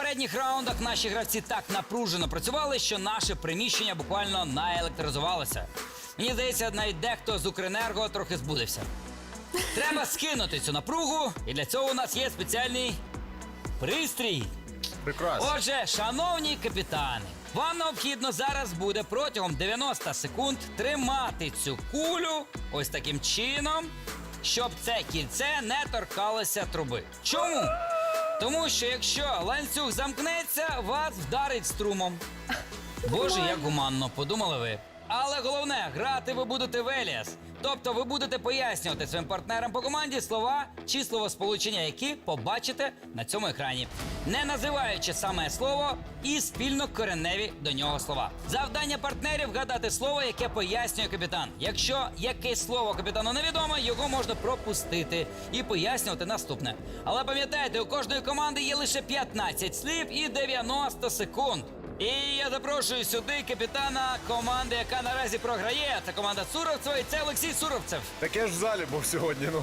попередніх раундах наші гравці так напружено працювали, що наше приміщення буквально наелектризувалося. Мені здається, навіть дехто з Укренерго трохи збудився. Треба скинути цю напругу, і для цього у нас є спеціальний пристрій. Прекрасно. Отже, шановні капітани, вам необхідно зараз буде протягом 90 секунд тримати цю кулю ось таким чином, щоб це кільце не торкалося труби. Чому? Тому що якщо ланцюг замкнеться, вас вдарить струмом. Боже, як гуманно, подумали ви. Але головне, грати ви будете в Еліас. Тобто ви будете пояснювати своїм партнерам по команді слова чи словосполучення, які побачите на цьому екрані, не називаючи саме слово і спільно кореневі до нього слова. Завдання партнерів – вгадати слово, яке пояснює капітан. Якщо якесь слово капітану невідоме, його можна пропустити і пояснювати наступне. Але пам'ятайте, у кожної команди є лише 15 слів і 90 секунд. І я запрошую сюди капітана команди, яка наразі програє. Це команда Суровцева, і це Олексій Суровцев. Так я ж в залі був сьогодні, ну.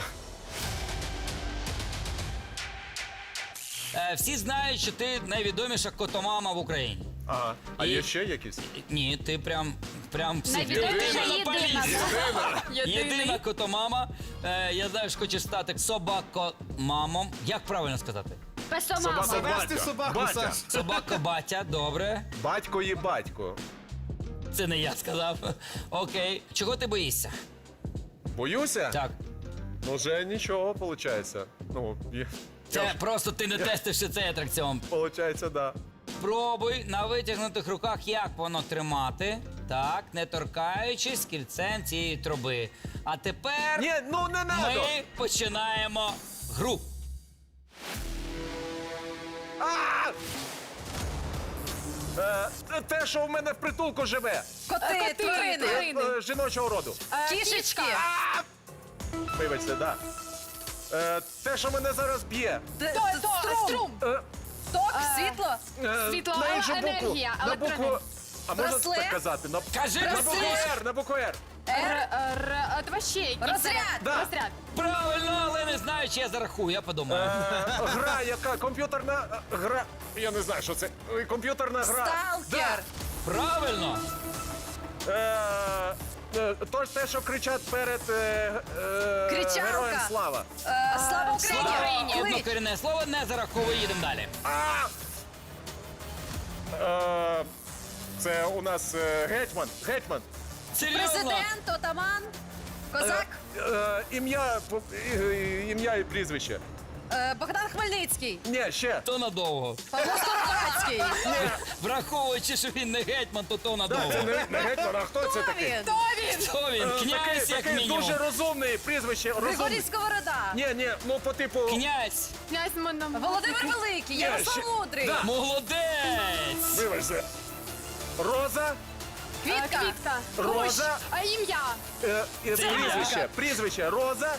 Всі знають, що ти найвідоміша котомама в Україні. Ага. А І- є ще якісь? Ні, ти прям всі. Найвідоміша Ти єдина. монополіст. Єдина котомама. Я знаю, що хочеш стати собакомамом. Як правильно сказати? Песомама. Завести собаку, Батя. Саш. Собако-батя, добре. Батько є батько. Це не я сказав. Окей. Чого ти боїшся? Боюся? Так. Ну вже нічого, виходить. Ну, Це просто ти не тестив ще цей атракціон. Виходить, да. Пробуй на витягнутих руках, як воно тримати. Так, не торкаючись кільцем цієї труби. А тепер Ні, ну не надо! ми починаємо гру. А! Те, що в мене в притулку живе. Коти, тварини. Жіночого роду. Кішечки. Вибачте, да. Те, що мене зараз б'є. Струм. Е, Ток, світло. Світло, на іншу букву. енергія, На букву. електроенергія. А можна Браслет? так казати? На Кажи букву браслет. Р, на букву Р. Давай ще якийсь. Розряд. Да. Розряд. Правильно, але не знаю, чи я зарахую, я подумаю. Гра, яка? Комп'ютерна гра. Я не знаю, що це. Комп'ютерна гра. Сталкер. Правильно. Те, що кричать перед Кричалка. Героям слава. Слава Україні. Слава, Клич. однокорінне слово, не зараховуй, їдемо далі. Це у нас гетьман. Гетьман. Серйозно? Президент, отаман, козак. Ім'я і прізвище. Богдан Хмельницький. Ні, ще. То надовго. Павло Скоропадський. Враховуючи, що він не гетьман, то надовго. Це не гетьман, а хто це такий? Він. Хто він? Князь, як Такий мінімум. дуже розумний прізвище. Григорій Розумний. Сковорода. Ні, ну по типу. Князь. Князь Моном. Володимир Великий. Ярослав ще- Мудрий. Да. Молодець. Вибачте. Роза. Квітка. Квітка. Роза. А ім'я? Прізвище. Прізвище. Роза.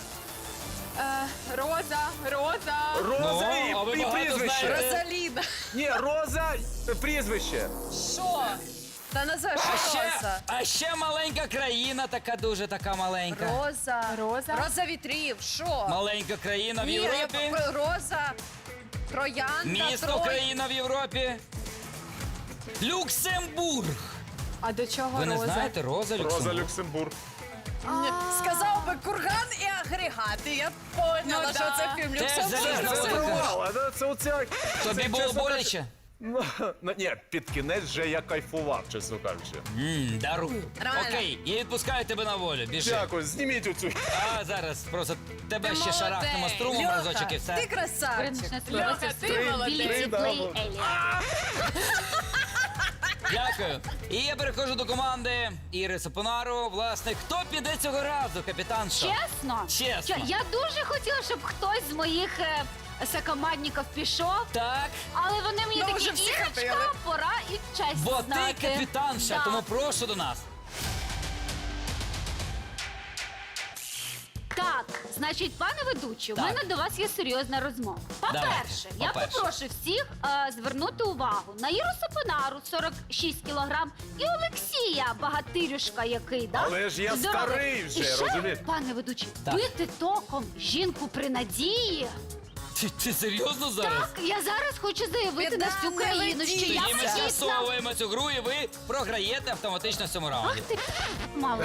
Роза. Роза Ну, а ви і багато прізвище. знаєте. Розаліна. Ні, Роза, прізвище. Що? Та називай, що Роза? А ще маленька країна, така дуже така маленька. Роза. Роза. Роза вітрів. Що? Маленька країна в Ні, Європі. Роза. Троянда. Місто Трой. країна в Європі. Люксембург. А до чого Ви не Роза? знаєте, Роза Роза Люксембург. Люксембург. Сказав би курган і агрегат. І я поняла, Ну, що да. це фільм Теж Люксембург. залізна Це Роза. провал, а це оця. Тобі це, було чесно боляче? кажучи, ні, під кінець вже я кайфував, чесно кажучи. Дарую. Нормально. Окей, я відпускаю тебе на волю. Біжи. Дякую, зніміть оцю. А зараз просто тебе Ти ще молодець. шарахнемо струмом Льоха, разочок і ти все. красавчик. Льоха, ти молодець. Дякую. І я переходжу до команди Іри Сапонару. Власне, хто піде цього разу, капітан? Чесно? Чесно. Я дуже хотіла, щоб хтось з моїх сокомандників пішов, Так, але вони мені Ну, вже такі, всі Ірочка, хотіли. пора і честь бо знати. ти капітанша, Да. тому прошу до нас. Так, значить, пане ведучий, у Так. мене до вас є серйозна розмова. По-перше, Давайте, я по-перше. попрошу всіх звернути увагу на Іру Сапонару, 46 кілограм, і Олексія, багатирюшка який, да? Але ж я Здоровий. старий вже, І ще, розумієш? пане ведучий, Так. бити током жінку при надії. Ти серйозно зараз? Так, я зараз хочу заявити на всю Піддам, не країну, що ведіть. я Тоді ми вагітна. з'ясовуємо цю гру, і ви програєте автоматично в цьому раунді. Ах ти мале.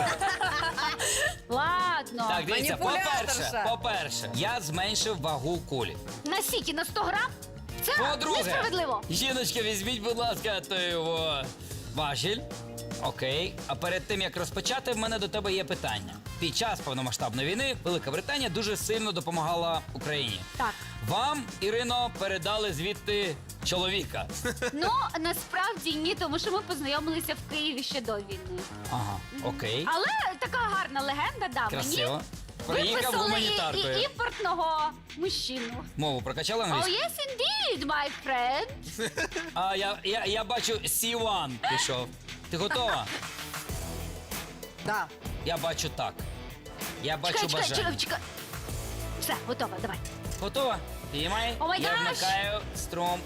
Ладно. Так, дивіться, Маніпуляторша. по-перше, я зменшив вагу кулі. На сіки на 100 грам? Це По-друге, несправедливо. жіночка, візьміть, будь ласка, той його важіль. Окей. А перед тим, як розпочати, в мене до тебе є питання. Під час повномасштабної війни Велика Британія дуже сильно допомагала Україні. Так. Вам, Ірино, передали звідти чоловіка. Ну, насправді ні, тому що ми познайомилися в Києві ще до війни. Ага, окей. Але така гарна легенда, да, Красиво. мені Приїхав виписали гуманітаркою. і імпортного мужчину. Мову прокачали Oh, англійську? yes, indeed, my friend. А я бачу C1 пішов. Ти готова? Да. Я бачу так. Я бачу бажання. Чекай. Все, готова, давай. Готова? Підіймай. О май Я гаш! вмикаю струм.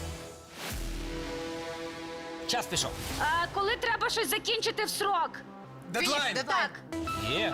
Час пішов. Коли треба щось закінчити в срок? Дедлайн! Так. Є.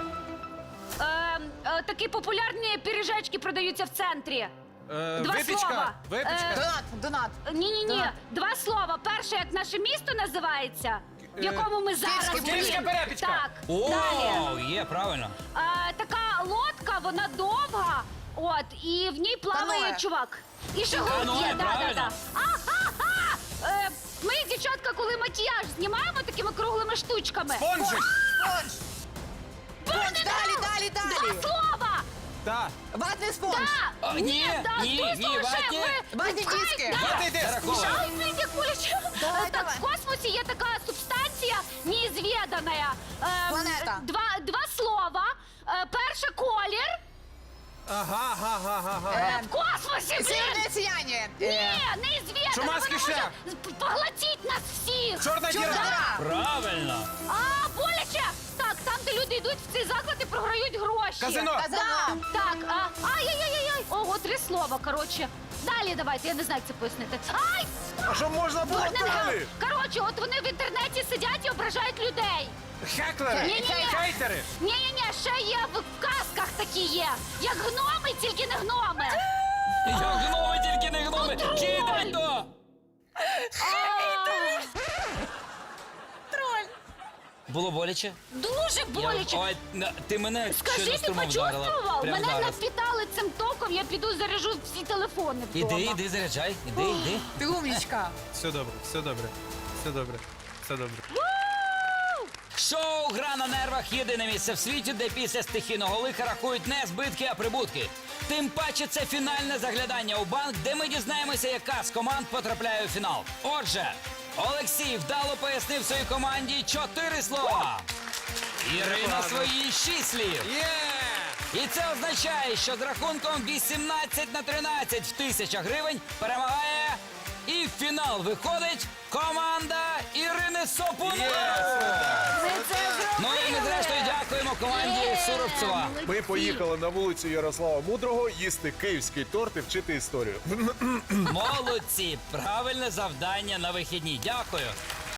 Такі популярні пиріжечки продаються в центрі. Два слова. Випічка. Донат. Ні. Два слова. Перше, як наше місто називається, в якому ми зараз. Київська були. перепічка. Так. Далі. О, є, правильно. Така лодка, вона довга, от, і в ній плаває Каноe. чувак. І ще гурт Каноe, є, правильно. Ага! Ми, дівчатка, коли макіяж знімаємо такими круглими штучками. Спонжик. Спонж. Спонж, далі. Два слова! Так. Ватний спонж. Да! Ні, ватні. Ватні диски. Ватний диск. Зараховуємо. Давай. В космосі є така субстанція неізвідана. Планета. Два слова. Перше колір. Ага. В космосі, блін! Северне сияння. Ні, неізвідана. Чумацький Вона шлях. може поглотіть нас всіх. Чорна діра. Діра. Правильно. Боляче! Так, там, де люди йдуть в цей заклад і програють гроші. Казино. Казино. Так, ай-яй-яй-яй. Ого, три слова, коротше. Далі давайте, я не знаю, як це пояснити. Ай! А що можна було далі? Коротше, от вони в інтернеті сидять і ображають людей. Хеклери. Ні-ні-ні. Хейтери. Ні, ще є в казках такі є. Як гноми, тільки не гноми. Я гноми, тільки не гноми. Контроль. Кидай то. Троль. Було боляче? Дуже боляче. Ой, ти мене Скажи, щойно ти струмом вдарила. почувствував? Прямо Мене зараз. напітали цим током, я піду заряжу всі телефони вдома. Іди, заряджай. Іди. Ти умнічка. Все добре. Шоу «Гра на нервах» – єдине місце в світі, де після стихійного лиха рахують не збитки, а прибутки. Тим паче це фінальне заглядання у банк, де ми дізнаємося, яка з команд потрапляє у фінал. Отже, Олексій вдало пояснив своїй команді 4 слова. Ірина свої 6 слів. І це означає, що з рахунком 18-13 в 1000 гривень перемагає і в фінал виходить команда Ірини Сопунової. Ми це зробили. Ну і ми зрештою дякуємо команді Суровцева. Ми поїхали на вулицю Ярослава Мудрого їсти київський торт і вчити історію. Молодці! Правильне завдання на вихідні. Дякую.